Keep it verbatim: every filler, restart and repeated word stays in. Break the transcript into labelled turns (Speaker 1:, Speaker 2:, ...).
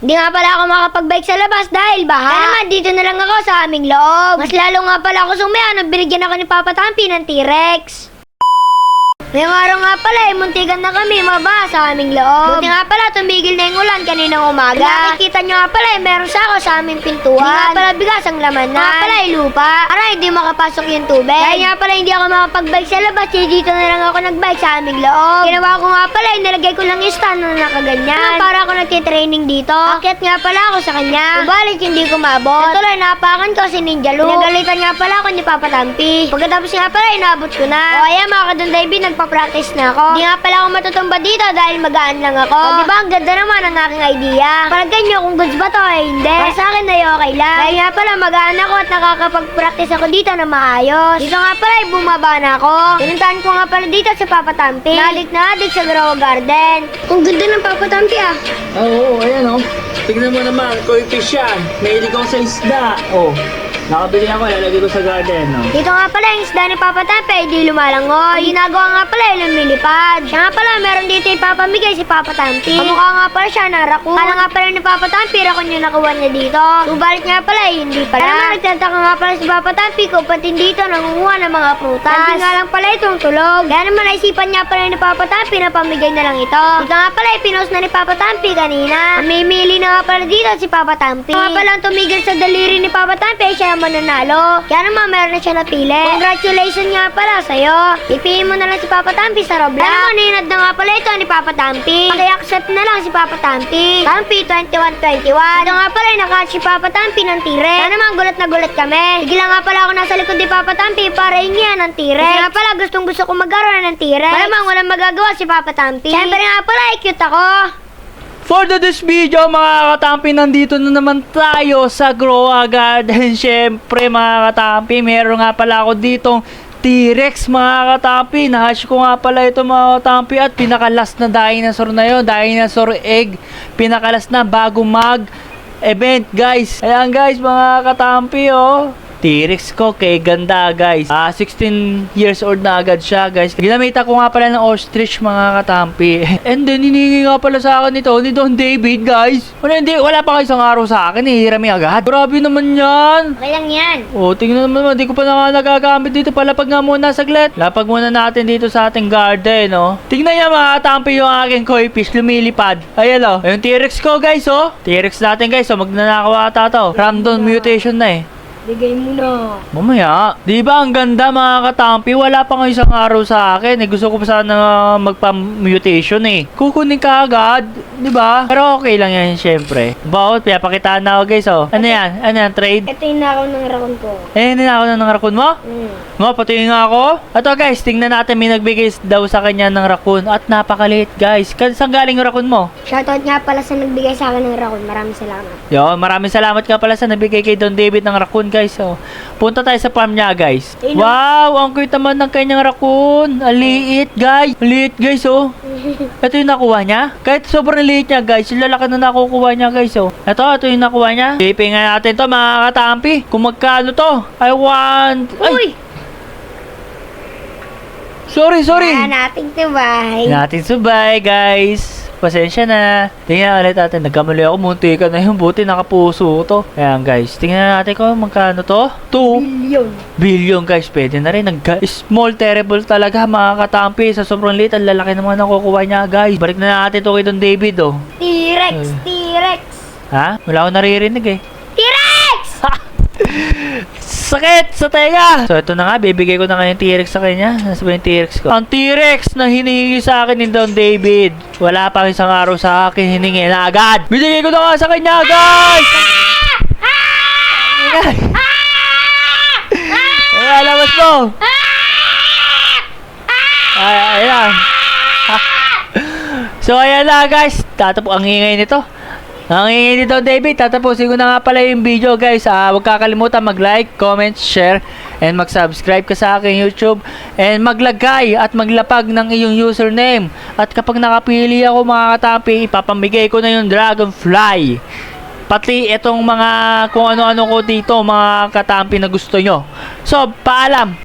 Speaker 1: Hindi nga pala ako makapag-bike sa labas dahil baha. Kaya naman, dito na lang ako sa aming loob. Mas lalo nga pala ako sumaya nung binigyan ako ni Papa Tampi ng T-Rex. Ngayong araw nga pala eh, muntikan na kami maba sa aming loob. Buti nga pala, tumigil na yung ulan kaninang umaga. Nakikita nyo nga pala eh, meron sako sa aming pintuan. Hindi nga pala bigas ang laman na. Nga pala eh, lupa. Para hindi makapasok yung tubig. Dahil nga pala hindi ako makapag-bike sa labas, eh, dito na lang ako nag-bike sa aming loob. Ginawa ko nga pala eh, nilagay ko lang yung stand na nakaganyan. Para ako nagtitraining dito. Akyat nga pala ako sa kanya. Subalit hindi ko mabot. Natuloy, napakan ko si Ninja Luke. Pinagalitan nga pala ako ni Papa Tampi. Pagkatapos nga pala, inabot ko na. O ayan mga kadon David, nagpa-practice na ako. Hindi nga pala ako matutumba dito dahil magaan lang ako. O diba, ang ganda naman ang aking idea. Palagyan nyo kung goods ba to eh, hindi. Para sa akin ay okay lang. Dahil nga pala magaan ako at nakakapag-practice ako dito na maayos. Dito nga pala ay bumaba na ako. Pinuntahan ko nga pala dito sa Papa Tampi. Nadik na adik sa Grow Garden. Ang ganda ng Papa Tampi ah.
Speaker 2: Oo, oh, ayan oh. Tignan mo naman, koi fish yan. Mahilig ako sa isda. Oh, nakabili ako, lalagay ko sa garden. Oh.
Speaker 1: Dito nga pala yung isda ni Papa Tampi ay di lumalangoy. Ginagawa nga pala yung lumilipad. Siya nga pala meron dito ipapamigay si Papa Tampi. Kamukha nga pala siya na raccoon. Kala nga pala ni Papa Tampi, raccoon yung nakuha niya dito. Subalit nga pala eh, hindi pala. Kaya naman nagtataka nga pala si Papa Tampi kung pati dito nangunguha ng mga prutas. Hindi nga lang pala itong tulog. Kaya naman naisipan niya pala ni Papa Tampi na pamigay na lang ito. Dito nga pala ipinost na ni Papa Tampi kanina. Mamimili na nga pala dito si Papa Tampi. Nga pala ang tumigil sa daliri ni Papa Tampi, siya ang mananalo. Kaya naman meron na siya napili. Congratulations nga pala sa'yo. Ipiliin mo na lang si Papa Tampi sa Roblox. Kaya naman ninad na nga pala ito ni Papa Tampi. Paki-accept na lang si Papa Tampi. Tampi twenty-one twenty-one. Ito nga pala nakatch si Papa Tampi ng T-Rex. Kaya naman gulat na gulat kami. Bigla nga pala ako nasa likod ni Papa Tampi para hingihan ng T-Rex. Kasi nga pala gustong gusto ko magkaroon ng T-Rex. Malamang walang magagawa si Papa Tampi. Siyempre nga pala ay cute ako.
Speaker 2: For the this video, mga katampi, nandito na naman tayo sa Grow Garden. Siyempre, mga katampi, meron nga pala ako ditong T-Rex, mga katampi. Nahash ko nga pala ito, mga katampi, at pinakalas na dinosaur na yun, dinosaur egg. Pinakalas na bago mag event, guys. Ayan, guys, mga katampi, oh. T-Rex ko, kay ganda, guys. Ah, sixteen years old na agad siya, guys. Ginamita ko nga pala ng ostrich, mga katampi. And then, hiningi nga pala sa akin ito ni Don David, guys. Wala, hindi, wala pa kayo isang araw sa akin, eh. Hirami agad. Grabe naman yan.
Speaker 1: Okay lang yan.
Speaker 2: O, tingnan naman, di ko pa na nga nagagamit dito. Palapag nga muna saglit. Lapag muna natin dito sa ating garden, oh. Tingnan niya, mga katampi, yung aking koi fish, lumilipad. Ayan, oh. Yung T-Rex ko, guys, oh. T-Rex natin, guys, oh. Magnanakaw ata to. Random mutation na, eh.
Speaker 1: Bigay mo na.
Speaker 2: Mamaya, di ba ang ganda, mga katampi? Wala pa nga isang araw sa akin. Eh, gusto ko pa sana magpa-mutation eh. Kukunin ka agad, di ba? Pero okay lang yan, syempre. Bawat, papakitaan na ako, guys, oh. Ano yan? Ano yan? Trade?
Speaker 1: Ito yung nakaw ng raccoon ko.
Speaker 2: Eh, ninakaw na ng raccoon mo?
Speaker 1: Mm.
Speaker 2: Nga, pati nga ako. Ato, guys, tingnan natin, may nagbigay daw sa kanya ng raccoon. At napakaliit, guys. Saan galing yung raccoon mo?
Speaker 1: Shoutout nga pala sa nagbigay sa akin ng raccoon. Maraming salamat.
Speaker 2: Yo, maraming salamat ka pala sa nabigay kay Don David ng raccoon, guys. So, punta tayo sa farm niya, guys.
Speaker 1: Ayun,
Speaker 2: Wow, ang cute naman ng kanyang raccoon. Ang liit, guys. Liit, guys, oh. Ito yung nakuha niya. Kahit sobrang liit niya, guys. Yung lalaki na nakukuha niya, guys, oh. Ito, ito yung nakuha niya. Pipin nga natin to, mga katampi. Kung magkano to. I want... Ay!
Speaker 1: Uy!
Speaker 2: Sorry, sorry.
Speaker 1: Ah, nating tibay.
Speaker 2: Natin subay, guys. Pasensya na. Tingnan ulit natin. Nagkamali ako. Munti ka na yung buti. Nakapuso to. Ayan, guys. Tingnan natin kung magkano to. two
Speaker 1: Billion.
Speaker 2: billion, guys. Pwede na rin. Nag-small terrible talaga, mga katampi. Sa sobrang liit, ang lalaki naman nakukuha niya, guys. Balik na natin to kay Don David, oh.
Speaker 1: T-Rex!
Speaker 2: Hmm.
Speaker 1: T-Rex!
Speaker 2: Ha? Wala akong naririnig, eh.
Speaker 1: T-Rex!
Speaker 2: Sakit sa tenga! So, ito na nga. Bibigay ko na nga yung T-Rex sa kanya. Nasa ba yung T-Rex ko? Ang T-Rex na hiningi sa akin ni Don David. Wala pa isang araw sa akin. Hiningi na agad. Binigay ko na nga sa kanya, guys! Ay, labas mo! Ay, ayan. So, ayan na, guys. Tatapos ang ingay nito. Ang ingay nito, David. Tatapusin ko na nga pala yung video, guys. Ah, huwag kakalimutan mag-like, comment, share, and mag-subscribe ka sa aking YouTube. And maglagay at maglapag ng iyong username. At kapag nakapili ako, mga katampi, ipapamigay ko na yung Dragonfly. Pati itong mga kung ano-ano ko dito, mga katampi na gusto nyo. So, paalam!